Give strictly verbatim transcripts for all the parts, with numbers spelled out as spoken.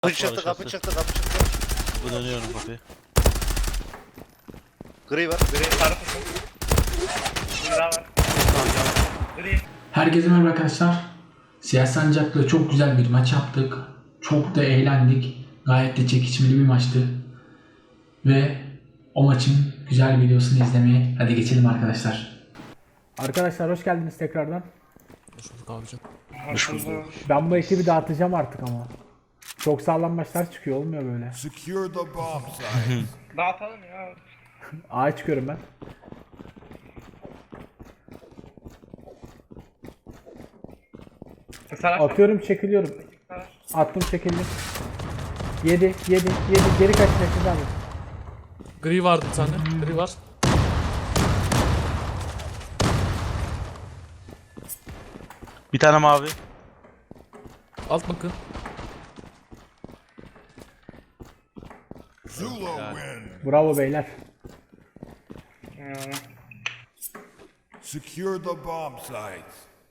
Kapı çıktı, kapı çıktı, kapı çıktı. Bu dönüyorum kapıyı. Gri var. Gri sarı kutu. Bir daha var. Gri. Herkese merhaba arkadaşlar. Siyah Sancak'la çok güzel bir maç yaptık. Çok da eğlendik. Gayet de çekişmeli bir maçtı. Ve o maçın güzel videosunu izlemeye hadi geçelim arkadaşlar. Arkadaşlar hoş geldiniz tekrardan. Hoş bulduk abicim. Hoş bulduk. Ben bu ekibi dağıtacağım artık ama. Çok sağlam maçlar çıkıyor, olmuyor böyle. Secure the bomb site. Dağıtalım ya. A'ya çıkıyorum ben. Sarı Atıyorum, çekiliyorum. Attım, çekildim. Yedi, yedi, yedi. Geri kaç metre abi. Gri vardı bir tane. Gri var. Bir tane mavi. Alt bakın. Zula win. Bravo beyler. Secure the bomb site.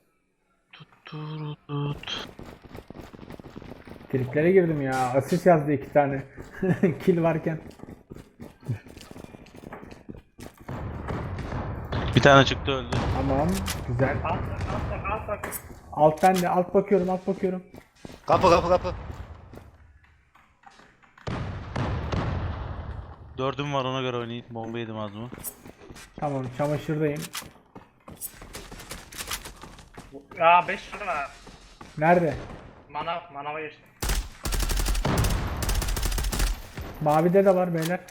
Turut. Triplere girdim ya. Asist yazdı iki tane. Kill varken. Bir tane çıktı öldü. Tamam. Güzel. Alt bak, alt bak, alt bak. Alt bende. Alt bakıyorum. Alt bakıyorum. Kapı, kapı, kapı. Dördüm var, ona göre oynayayım. Bomba yedim az mı? Tamam. Çamaşırdayım. Ya beş lira var. Nerede? Manav, manava geçti. Mavide de var beyler.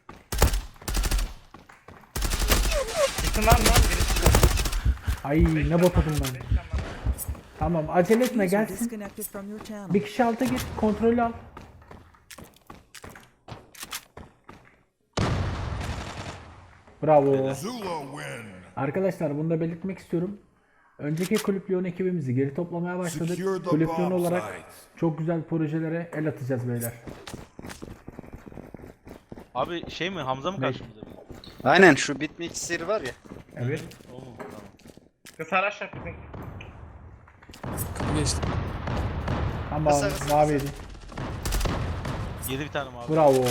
Gitsin lan lan birisi. Ay ne botadım ben. Tamam. Acele etme, gelsin. Disconnected from your channel. Bir kişi alta git. Kontrolü al. Bravo. Zula win. Arkadaşlar bunu da belirtmek istiyorum. Önceki Kulüp Lyon ekibimizi geri toplamaya başladık. Secure the Kulüp Lyon bomb olarak site. çok güzel projelere el atacağız beyler. Abi şey mi, Hamza mı Ne? karşımızda? Aynen, şu bitmiş seri var ya. Evet. O mu? Tamam. Sarı aşağı bizim. Kapı geçti. Tamam. Kısa, kısa, Maviydi. Yedi bir tane mavi. Bravo.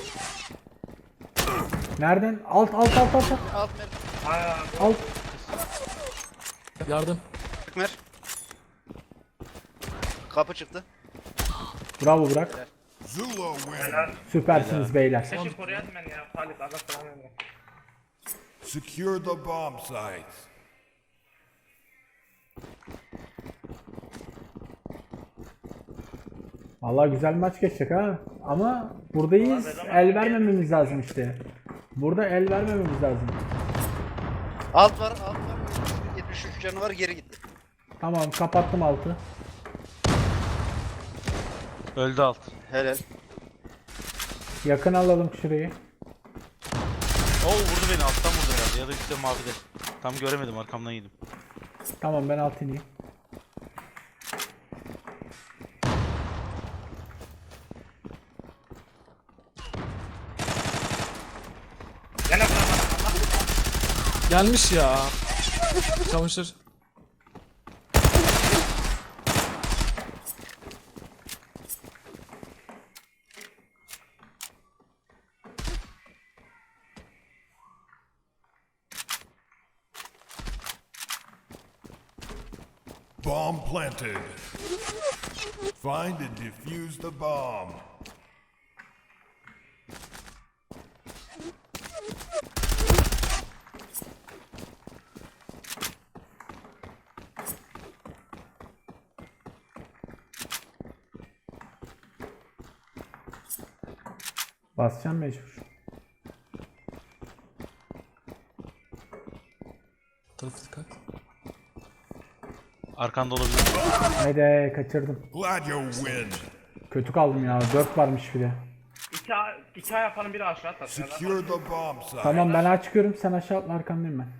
Nereden? Alt alt alt alt alt. Alt mer. Aa, alt. Yardım. Mer. Kapı çıktı. Bravo Burak. Zula win. Süpersiniz beyler. keşke koruyadım ben ya. Halit Allah selam versin. Secure the bomb site. Vallahi güzel maç geçecek ha. Ama buradayız. El vermememiz lazım işte. Burada el vermememiz lazım. Alt var, alt var. yetmiş üç canı var, geri gitti. Tamam, kapattım altı. Öldü alt. Helal. Yakın alalım şurayı. Oo, vurdu beni, alttan vurdu herhalde. Ya da üstte mavide. Tam göremedim, arkamdan yedim. Tamam, ben alt ineyim. Gene vuramadım Allah. Gelmiş ya. Çamaşır. Bomb planted. Find and defuse the bomb. Basacağım mecbur. Tarafı dikkat. Arkanda olabilir. Haydi, kaçırdım. Glad you win. Kötü kaldım ya. dört varmış bir de. İki, a- iki ay yapanın biri aşağı atar. Ya da- Secure the bomb site. Tamam, ben aç çıkıyorum. Sen aşağı atla, arkandayım ben.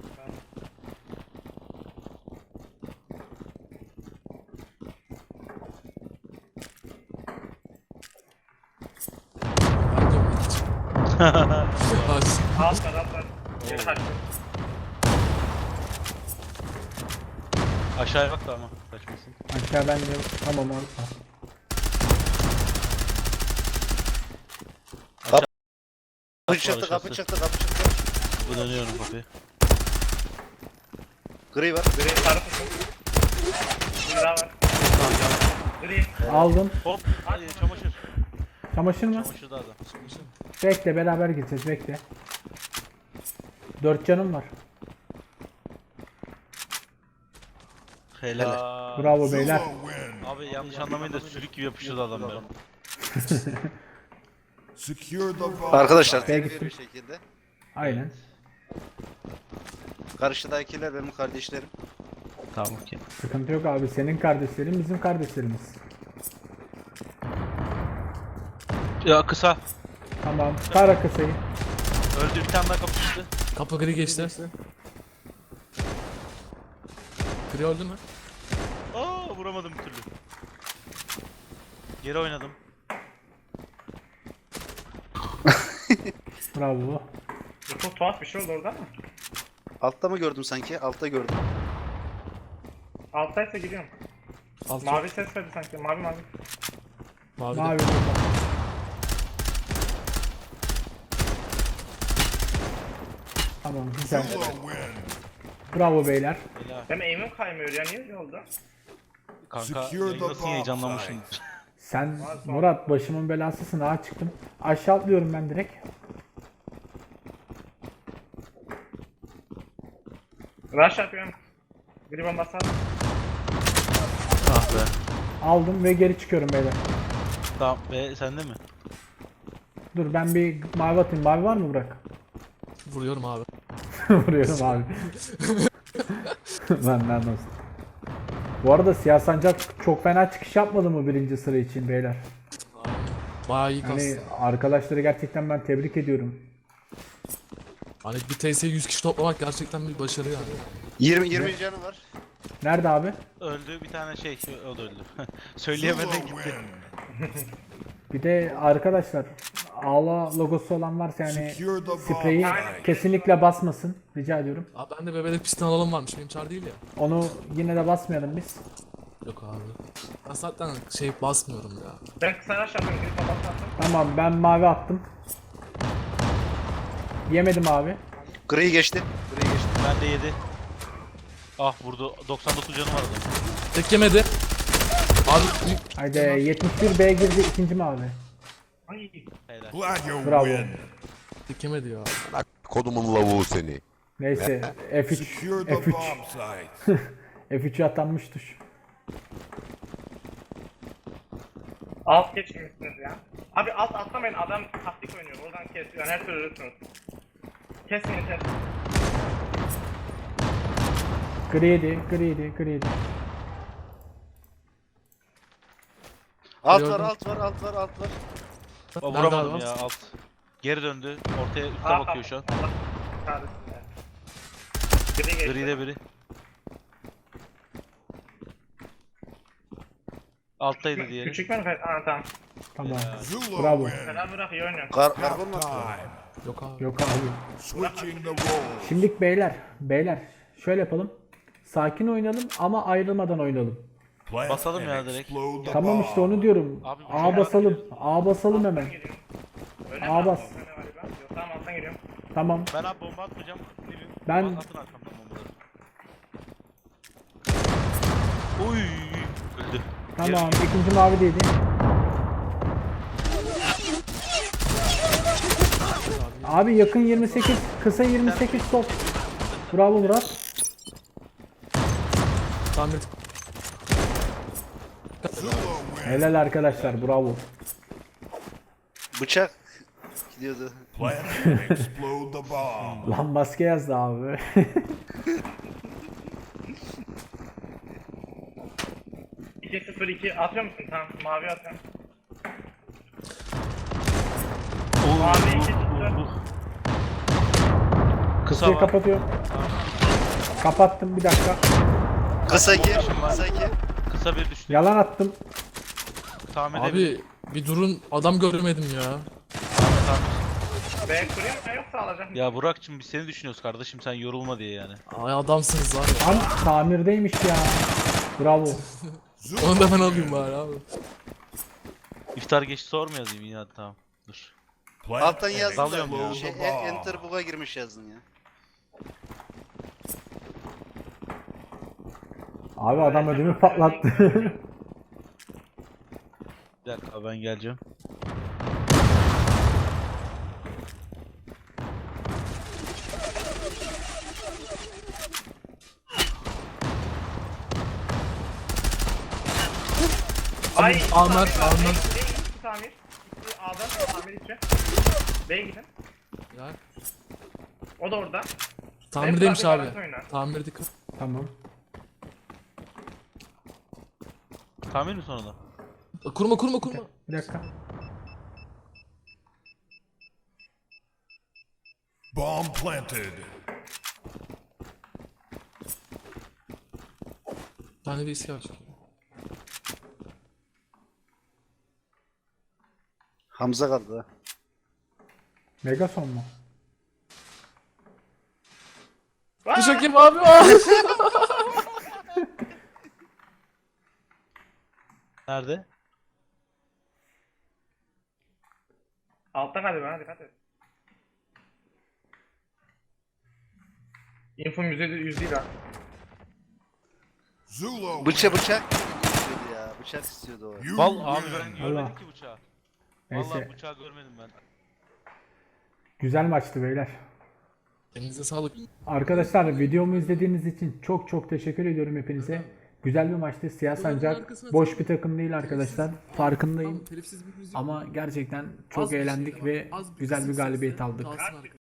Bence bu hiç. Bas. Alt var, alt var. Geri kaçtı. Aşağıya bak da ama kaçmasın. Aşağı ben de. Tamam, orada. Kapı çıktı, kapı çıktı, kapı çıktı. Bu dönüyorum kapıyı. Gri var. Gri sarı takım. Bir daha var. Gri. Aldım. Hop. Hadi çamaşır. Çamaşır mı? Çamaşır da adam. Bekle beraber gideceğiz bekle. Dört canım var. Helal. Bravo beyler. Zula win. Abi yanlış anlamayın da sürük gibi yapıştırdı adam benim. Secure the bomb Arkadaşlar site. tekrar bir şekilde. Aynen. Karşıdakiler benim kardeşlerim. Tamam ki. Sıkıntı yok abi. Senin kardeşlerin bizim kardeşlerimiz. Ya kısa. Tamam. Kara kısayı. Öldü, bir tane daha kapı çıktı. Kapı gri geçti. Gri öldü mü? Aa, vuramadım bir türlü. Geri oynadım. Bravo. Çok tuhaf bir şey oldu orada ama. Altta mı gördüm sanki? Altta gördüm. Alttaysa gidiyorum. Alt Mavi ses verdi sanki. Mavi mavi. Mavi. Mavi. Tamam güzel. Zula win. Bravo beyler. Helal. Benim aim'im kaymıyor ya. Niye öyle oldu? Kanka Secure the nasıl bomb heyecanlanmışım. Sen Murat başımın belasısın. Ağa çıktım. Aşağı atlıyorum ben direkt. Rush yapıyorum. Gri bombası at. Ah be. Aldım ve geri çıkıyorum beyler. Tamam be, sende mi? Dur ben bir mavi atayım. Mavi var mı Burak? Vuruyorum abi. Vuruyorum abi. Benden olsun. Bu arada Siyah Sancak çok fena çıkış yapmadı mı birinci sıra için beyler? Bayağı iyi Hani kastı. arkadaşları gerçekten ben tebrik ediyorum. Hani bir T S'ye yüz kişi toplamak gerçekten bir başarı yani. yirmi yirmi canı var. Nerede abi? Öldü bir tane şey, o da öldü. Zula Söyleyemeden gitti. win. Bir de arkadaşlar ağla logosu olan varsa yani Secure the bomb spreyi site. kesinlikle basmasın. Rica ediyorum. Abi ben de bebelek pistten alalım varmış. Benim çar değil ya. Onu yine de basmayalım biz. Yok abi. Ben zaten şey basmıyorum ya. Ben kısa rush yapıyorum. Gri bombası attım. Tamam ben mavi attım. Yemedim abi. Gri geçti. Gri geçti. Ben de yedi. Ah vurdu. doksan dokuz canım var adam. Tek yemedi. Abi büyük Haydi yetmiş bir B girdi ikinci mavi. Ay. Helal. Glad you Bravo. win. tek yemedi ya. Kodumun lavuğu seni. Neyse F üç Secure the F üç bomb site. F üç'e atanmış tuş. Alt geçmişsiniz ya. Abi alt atlamayın. Adam taktik oynuyor. Oradan kesiyor. Her türlü ölürsünüz. Kesmeyin kes. Griydi, griydi, griydi. Alt Gördüm. var, alt var, alt var, alt var. Aa, Nerede vuramadım adam? ya alt. Geri döndü. Ortaya üste Aa, bakıyor şu an. Allah kahretsin ya. Gri geçti. Gri'de biri. Alttaydı diğeri. Küçük mü? Aa tamam. Tamam. Zula Bravo. win. Helal bırak iyi oynuyor. Kar karbon mu? Time. Yok abi. Yok abi. Switching the roles. Şimdilik beyler, beyler şöyle yapalım. Sakin oynayalım ama ayrılmadan oynayalım. Plant Basalım ya and direkt. explode the Tamam işte onu bomb. diyorum. Abi bu A şey basalım. A basalım hemen. Alttan giriyorum. Öyle Aa, mi? bas. Alttan ne var ya? Yok tamam alttan giriyorum. Tamam. Ben abi bomba atmayacağım. Birim. Ben- Atın arkamdan bombaları. Uy öldü. Tamam. İkinci mavi değildi. Abi yakın yirmi sekiz, kısa yirmi sekiz top. Bravo Murat. Tamir. Zula win. Helal arkadaşlar, bravo. Bıçak gidiyordu. Plant and explode the bomb. Lan maske yazdı abi. iki sıfır iki atıyor musun? Tamam mavi atıyorum. Mavi iki sıfır. Kısa Kısayı var. kapatıyorum. Kapattım bir dakika. Kısa gir, kısa gir. Kısa bir düştü. Yalan attım. Tahmin edebilirim. Abi bir durun adam görmedim ya. B kurayım mı yoksa alacak mısın? Ya Burak'cığım biz seni düşünüyoruz kardeşim, sen yorulma diye yani. Ay adamsınız var ya. Lan tamirdeymiş ya. Bravo. Onu da ben alayım bari abi. İftar geçti sor mu yazayım yine, hadi tamam. Dur. Alttan Plant yazın and da Dalıyorum ya. explode şey, the e- bomb. enter bug'a girmiş yazın ya. Abi adam ödümü patlattı. Bir dakika ben geleceğim. Ay, Amer, tamir var. Amer. Bey, Bey, iki tamir. İki A'dan tamir içi. B'ye gidin. Ya, O da orada. tamirdeymiş Benim abi. zaten oyna. Tamir dikkat. Tamam. Tamir mi sonunda? Kurma kurma kurma. Bir dakika. Bomb planted. Bir tane de iskelet çıkıyor. Hamza kaldı ha. Megason mu? Teşekkür ederim abi. Nerede? Altta galiba ha, dikkat et. Info yüzde yüz değil ha. Zulu Bıça win. bıçak istiyordu ya. Bıçak istiyordu o. You Val abi win. ben görmedim Allah. ki bıçağı. Neyse. Vallahi bıçağı görmedim ben. Güzel maçtı beyler. Elinize sağlık. Arkadaşlar videomu izlediğiniz için çok çok teşekkür ediyorum hepinize. Güzel bir maçtı. Siyah Sancak boş bir takım değil arkadaşlar. Farkındayım. Telifsiz bir müzik. Ama gerçekten çok Az bir şey eğlendik ama, ve az bir güzel bir kısık galibiyet sesle aldık. kalsın arkadaşlar.